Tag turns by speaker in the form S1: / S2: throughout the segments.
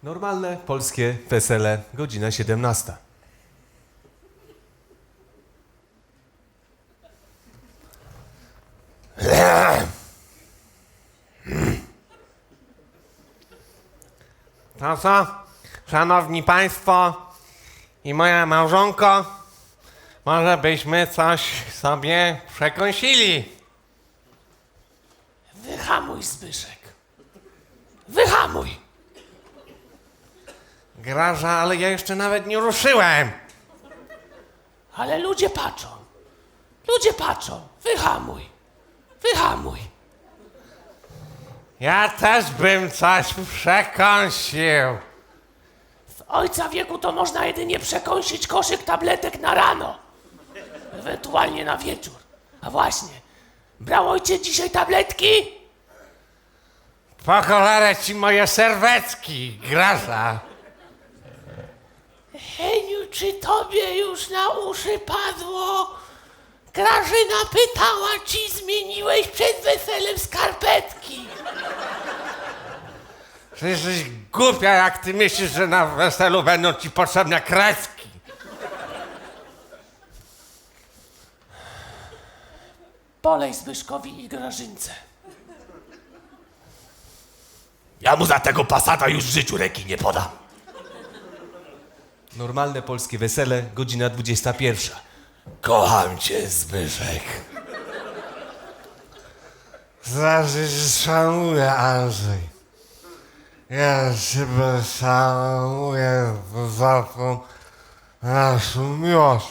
S1: Normalne polskie wesele, godzina 17.
S2: To co, szanowni państwo i moja małżonko, może byśmy coś sobie przekąsili?
S3: Wyhamuj, Zbyszek. Wyhamuj.
S2: Graża, ale ja jeszcze nawet nie ruszyłem.
S3: Ale ludzie patrzą. Ludzie patrzą. Wyhamuj. Wyhamuj.
S2: Ja też bym coś przekąsił.
S3: W ojca wieku to można jedynie przekąsić koszyk tabletek na rano. Ewentualnie na wieczór. A właśnie, brał ojciec dzisiaj tabletki?
S2: Po cholerę ci moje serwetki, Graża.
S3: Heniu, czy tobie już na uszy padło? Grażyna pytała, czy zmieniłeś przed weselem skarpetki.
S2: Ty jesteś głupia, jak ty myślisz, że na weselu będą ci potrzebne kreski.
S3: Polej Zbyszkowi i Grażynce.
S4: Ja mu za tego Passata już w życiu ręki nie podam.
S1: Normalne polskie wesele, godzina 21.
S4: Kocham cię, Zbyszek.
S2: Zawsze się szanuję, Andrzej. Ja ciebie szanuję za tą naszą miłość.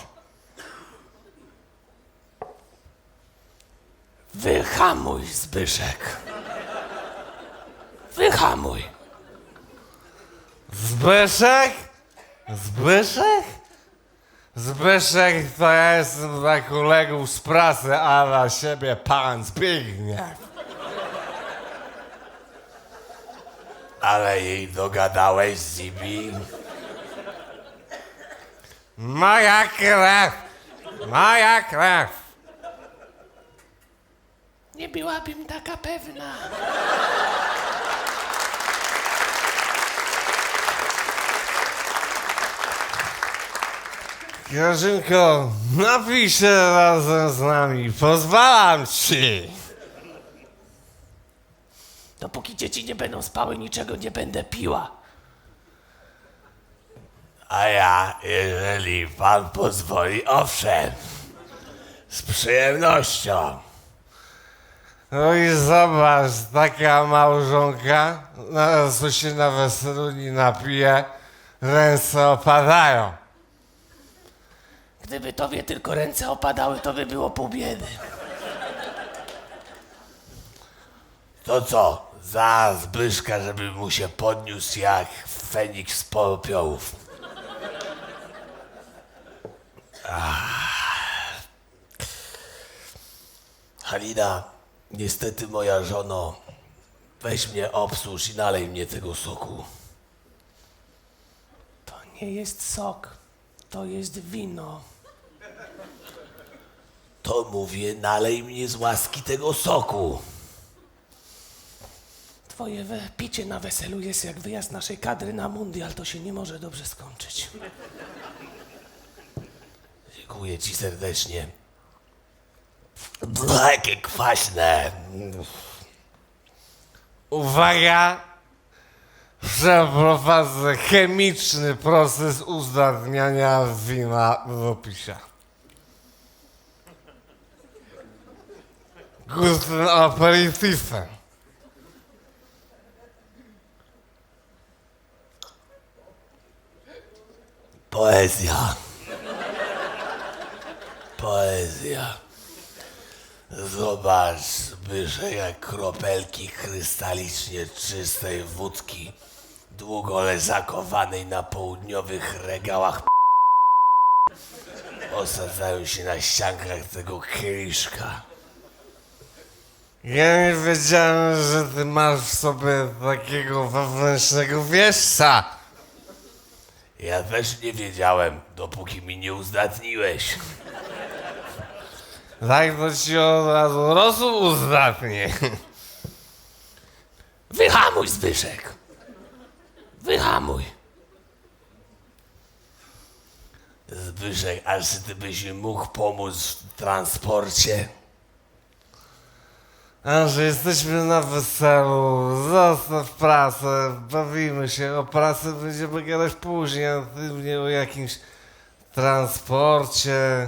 S3: Wyhamuj, Zbyszek. Wyhamuj.
S2: Zbyszek? Zbyszek? Zbyszek to ja jestem dla kolegów z pracy, a dla siebie pan Zbigniew.
S4: Ale jej dogadałeś, Zibi.
S2: Moja krew! Moja krew!
S3: Nie byłabym taka pewna.
S2: Grażynko, napij się razem z nami, pozwalam ci.
S3: Dopóki dzieci nie będą spały, niczego nie będę piła.
S4: A ja, jeżeli pan pozwoli, owszem. Z przyjemnością.
S2: No i zobacz, taka małżonka, co się na weselu nie napije, ręce opadają.
S3: Gdyby tobie tylko ręce opadały, to by było pół biedy.
S4: To co? Za Zbyszka, żeby mu się podniósł jak Feniks z popiołów. Halina, niestety moja żono, weź mnie obsłuż i nalej mnie tego soku.
S3: To nie jest sok, to jest wino.
S4: To mówię, nalej mnie z łaski tego soku.
S3: Twoje picie na weselu jest jak wyjazd naszej kadry na mundial, to się nie może dobrze skończyć.
S4: Dziękuję ci serdecznie. Jakie kwaśne.
S2: Uwaga! Przeprowadzę chemiczny proces uzdatniania wina w opisie. Gustym aperitifem.
S4: Poezja. Poezja. Zobacz, Zbyszek, jak kropelki krystalicznie czystej wódki, długo leżakowanej na południowych regałach osadzają się na ściankach tego kieliszka.
S2: Ja nie wiedziałem, że ty masz w sobie takiego wewnętrznego wieszca.
S4: Ja też nie wiedziałem, dopóki mi nie uzdatniłeś.
S2: Tak to ci od razu rosół uzdatnie.
S3: Wyhamuj, Zbyszek. Wyhamuj.
S4: Zbyszek, a czy ty byś mi mógł pomóc w transporcie?
S2: Andrzej, jesteśmy na weselu, zostaw pracę, bawimy się, o pracy będziemy gadać później, a ty mnie o jakimś transporcie.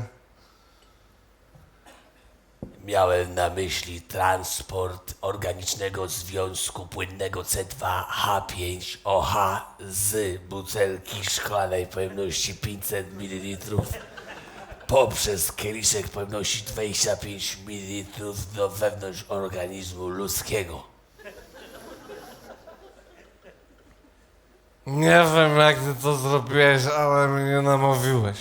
S4: Miałem na myśli transport organicznego związku płynnego C2H5OH z butelki szklanej pojemności 500 ml poprzez kieliszek pojemności 25 ml do wewnątrz organizmu ludzkiego.
S2: Nie wiem, jak ty to zrobiłeś, ale mnie namówiłeś.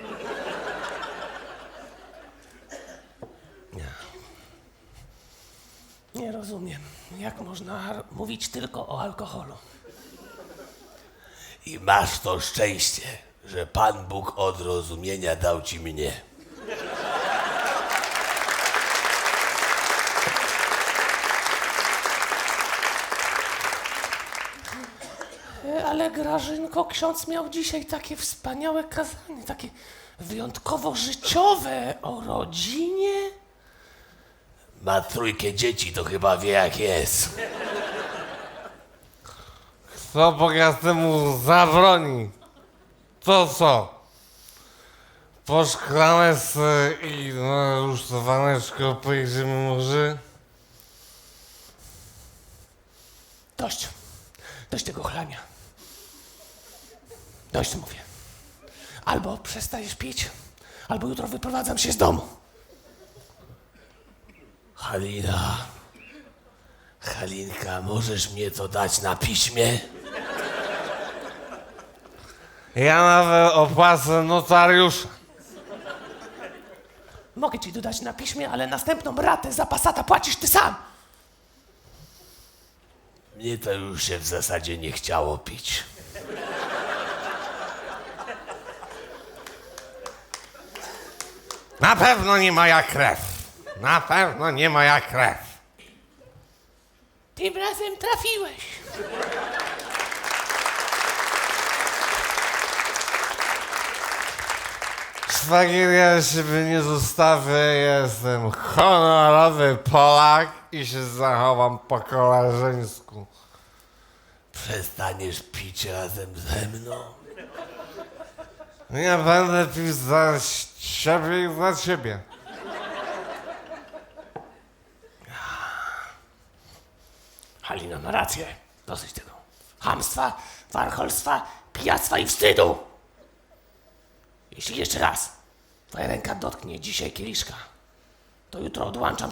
S3: Nie rozumiem, jak można mówić tylko o alkoholu.
S4: I masz to szczęście, że Pan Bóg od rozumienia dał ci mnie.
S3: Ale Grażynko, ksiądz miał dzisiaj takie wspaniałe kazanie, takie wyjątkowo życiowe o rodzinie.
S4: Ma 3 dzieci, to chyba wie jak jest.
S2: Kto bogatemu zabroni? To co? Po szklaneczce i na rusztowaneczko pojedziemy może?
S3: Dość. Dość tego chlania. Dość, mówię. Albo przestajesz pić, albo jutro wyprowadzam się z domu.
S4: Halinka, możesz mnie to dać na piśmie?
S2: Ja nawet opłacę notariusza.
S3: Mogę ci dodać na piśmie, ale następną ratę za Passata płacisz ty sam.
S4: Mnie to już się w zasadzie nie chciało pić.
S2: Na pewno nie moja krew. Na pewno nie moja krew.
S3: Tym razem trafiłeś.
S2: Szwagier, ja siebie nie zostawię, jestem honorowy Polak i się zachowam po koleżeńsku.
S4: Przestaniesz pić razem ze mną?
S2: Nie będę pił za siebie i za ciebie.
S3: Halina ma rację. Dosyć tego chamstwa, warcholstwa, pijactwa i wstydu. Jeśli jeszcze raz twoja ręka dotknie dzisiaj kieliszka, to jutro odłączam.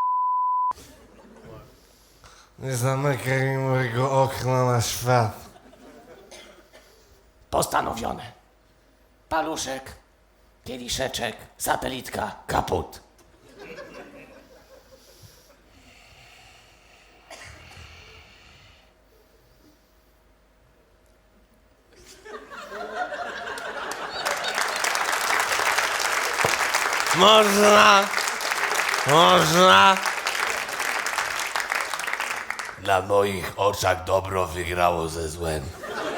S2: Nie zamykaj mi mojego okna na świat.
S3: Postanowione. Paluszek, kieliszeczek, satelitka, kaput.
S2: Można.
S4: Na moich oczach dobro wygrało ze złem.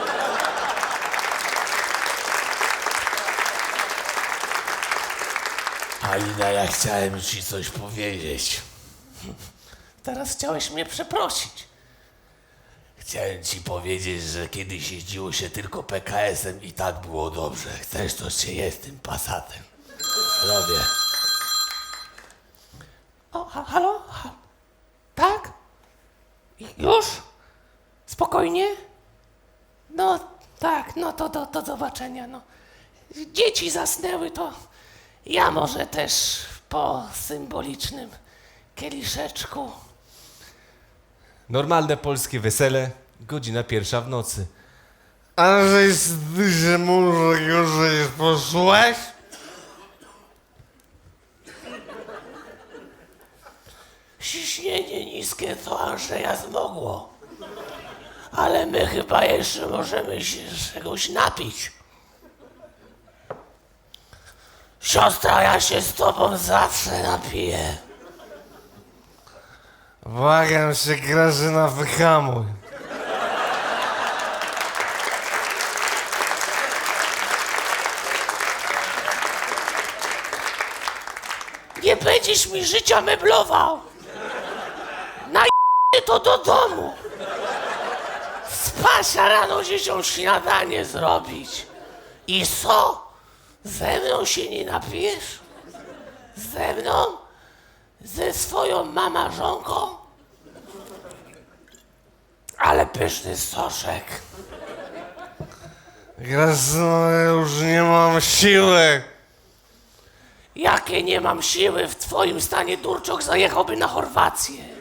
S4: Halina, ja chciałem ci coś powiedzieć.
S3: Teraz chciałeś mnie przeprosić.
S4: Chciałem ci powiedzieć, że kiedyś jeździło się tylko PKS-em i tak było dobrze. Chcesz, to się jest tym Passatem. Zdrowie.
S3: O, halo? Tak? Już? Spokojnie? No tak, no to do zobaczenia. No. Dzieci zasnęły, to ja może też po symbolicznym kieliszeczku.
S1: Normalne polskie wesele, godzina 1 w nocy.
S2: Andrzej, ty się może już poszłeś?
S3: Ciśnienie niskie to Andrzeja zmogło. Ale my chyba jeszcze możemy się czegoś napić. Siostra, ja się z tobą zawsze napiję.
S2: Błagam się, Grażyna, wyhamuj.
S3: Nie będziesz mi życia meblował. To do domu. Spasia rano dzieciom śniadanie zrobić. I co? Ze mną się nie napijesz? Ze mną? Ze swoją mamażonką? Ale pyszny soszek.
S2: Grażyno, ja już nie mam siły.
S3: Jakie nie mam siły, w twoim stanie Durczok zajechałby na Chorwację.